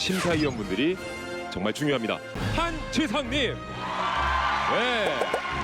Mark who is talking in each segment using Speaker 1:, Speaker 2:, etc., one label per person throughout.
Speaker 1: 심사위원분들이 정말 중요합니다. 한지성님. 네.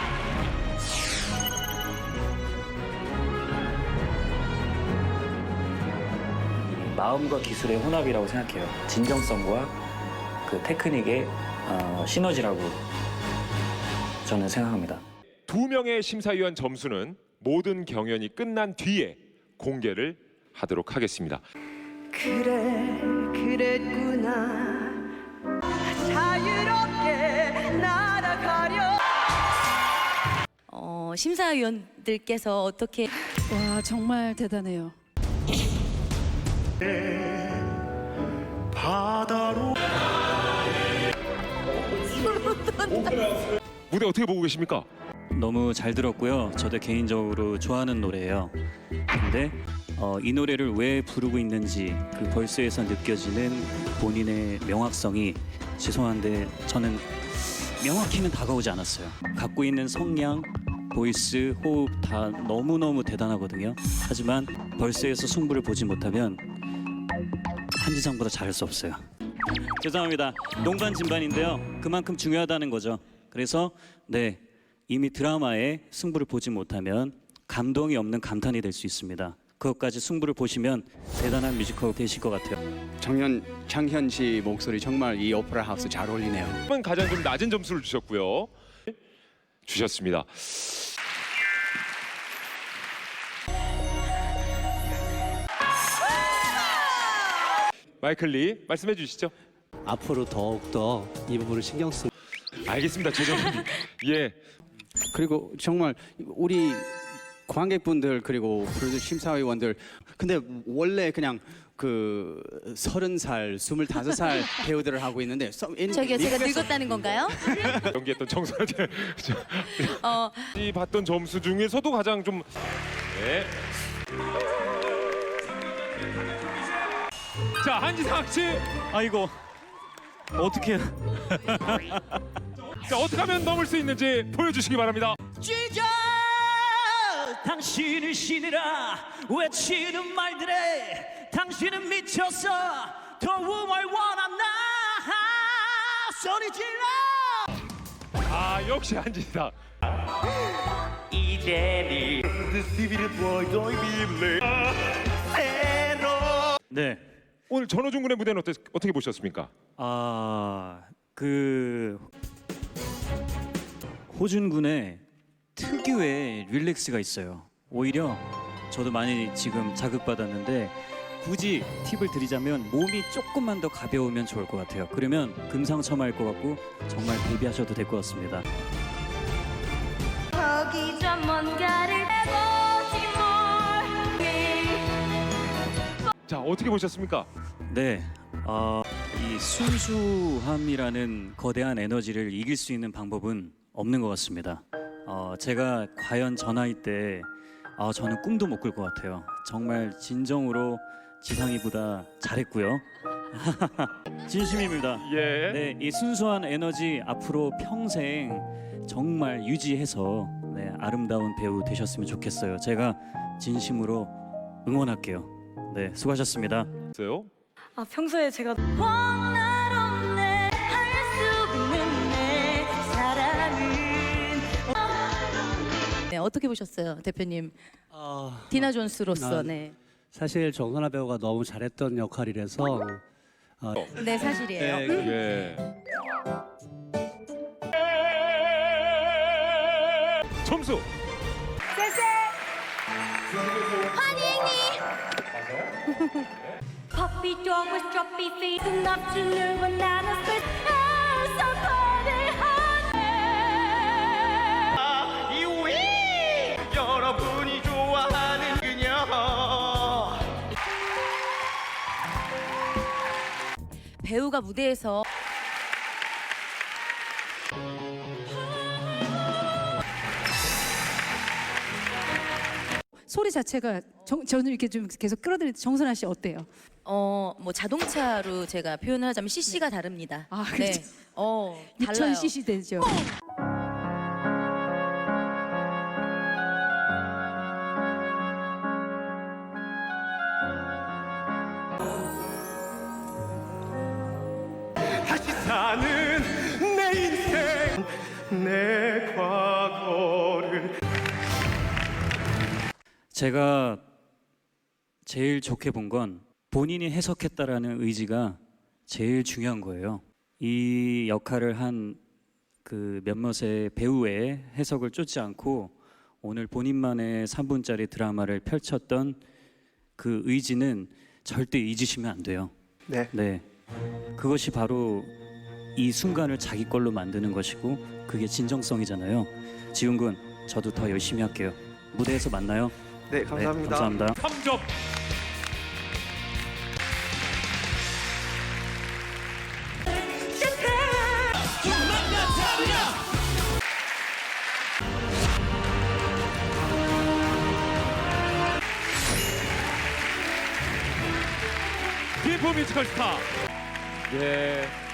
Speaker 2: 마음과 기술의 혼합이라고 생각해요. 진정성과 그 테크닉의 시너지라고 저는 생각합니다.
Speaker 1: 2명의 심사위원 점수는 모든 경연이 끝난 뒤에 공개를 하도록 하겠습니다.
Speaker 3: 그래 그랬구나 자유롭게 날아가려.
Speaker 4: 심사위원들께서 어떻게
Speaker 5: 와, 정말 대단해요.
Speaker 6: 바다로
Speaker 1: 무대 어떻게 보고 계십니까?
Speaker 2: 너무 잘 들었고요. 저도 개인적으로 좋아하는 노래예요. 근데 이 노래를 왜 부르고 있는지 그 벌스에서 느껴지는 본인의 명확성이 죄송한데 저는 명확히는 다가오지 않았어요. 갖고 있는 성량, 보이스, 호흡 다 너무너무 대단하거든요. 하지만 벌스에서 승부를 보지 못하면 한지성보다 잘할 수 없어요. 죄송합니다. 농반 진반인데요. 그만큼 중요하다는 거죠. 그래서 네, 이미 드라마의 승부를 보지 못하면 감동이 없는 감탄이 될 수 있습니다. 그것까지 승부를 보시면 대단한 뮤지컬 되실 것 같아요.
Speaker 7: 장현 씨 목소리 정말 이 오페라 하우스 잘 어울리네요.
Speaker 1: 가장 좀 낮은 점수를 주셨고요. 주셨습니다. 마이클 리 말씀해 주시죠.
Speaker 6: 앞으로 더욱더 이 부분을 신경 쓰.
Speaker 1: 알겠습니다, 최정님. 예.
Speaker 7: 그리고 정말 우리 관객분들 그리고 프로듀서 심사위원들 근데 원래 그냥 그 30살, 25살 배우들을 하고 있는데
Speaker 4: 저기요, 제가 늙었다는 건가요?
Speaker 1: 연기했던 청소년 이 봤던 점수 중에서도 가장 좀 네. 자, 한지성 씨.
Speaker 2: 아이고 어떻게?
Speaker 1: 자, 어떻게 하면 넘을 수 있는지 보여주시기 바랍니다.
Speaker 8: 쥐자 당신을 신이라 외치는 말들에 당신은 미쳤어 도움을 원한다 소리 질러.
Speaker 1: 아, 역시 한지성.
Speaker 8: 이대니
Speaker 2: 네.
Speaker 1: 오늘 전호준 군의 무대는 어떻게 보셨습니까?
Speaker 2: 그 호준 군의 특유의 릴렉스가 있어요. 오히려 저도 많이 지금 자극받았는데 굳이 팁을 드리자면 몸이 조금만 더 가벼우면 좋을 것 같아요. 그러면 금상첨화일 것 같고 정말 데뷔하셔도 될 것 같습니다.
Speaker 4: 거기 저 뭔가를 해보지 뭘.
Speaker 1: 자, 어떻게 보셨습니까?
Speaker 2: 네, 이 순수함이라는 거대한 에너지를 이길 수 있는 방법은 없는 것 같습니다. 제가 과연 저 나이 때 저는 꿈도 못 꿀 것 같아요. 정말 진정으로 지상이보다 잘했고요. 진심입니다.
Speaker 1: 예.
Speaker 2: 네, 이 순수한 에너지 앞으로 평생 정말 유지해서 네, 아름다운 배우 되셨으면 좋겠어요. 제가 진심으로 응원할게요. 네, 수고하셨습니다.
Speaker 1: 있어요?
Speaker 4: 평소에 제가 원할 없네 할 수 있는 내 사랑은. 네, 어떻게 보셨어요, 대표님? 디나 존스로서. 네.
Speaker 6: 사실 정선아 배우가 너무 잘했던 역할이라서
Speaker 4: 네, 사실이에요.
Speaker 1: 예. 점수.
Speaker 4: Puppy dog with droppy feet enough to know bananas with somebody
Speaker 8: 이위 여러분이 좋아하는 그녀
Speaker 4: 배우가 무대에서
Speaker 5: 소리 자체가 저는 이렇게 좀 계속 끌어들일 때 정선아 씨 어때요?
Speaker 4: 뭐 자동차로 제가 표현을 하자면 CC가 다릅니다.
Speaker 5: 아,
Speaker 4: 네.
Speaker 5: 그렇죠.
Speaker 4: 달라요.
Speaker 5: 6000cc 되죠.
Speaker 8: 내 과거를
Speaker 2: 제가 제일 좋게 본 건 본인이 해석했다라는 의지가 제일 중요한 거예요. 이 역할을 한 그 몇몇의 배우의 해석을 쫓지 않고 오늘 본인만의 3분짜리 드라마를 펼쳤던 그 의지는 절대 잊으시면 안 돼요.
Speaker 8: 네.
Speaker 2: 그것이 바로 이 순간을 자기 걸로 만드는 것이고 그게 진정성이잖아요. 지훈 군, 저도 더 열심히 할게요. 무대에서 만나요.
Speaker 8: 네, 감사합니다.
Speaker 2: 감사합니다.
Speaker 1: 3점. 김포 뮤지컬 스타. 예.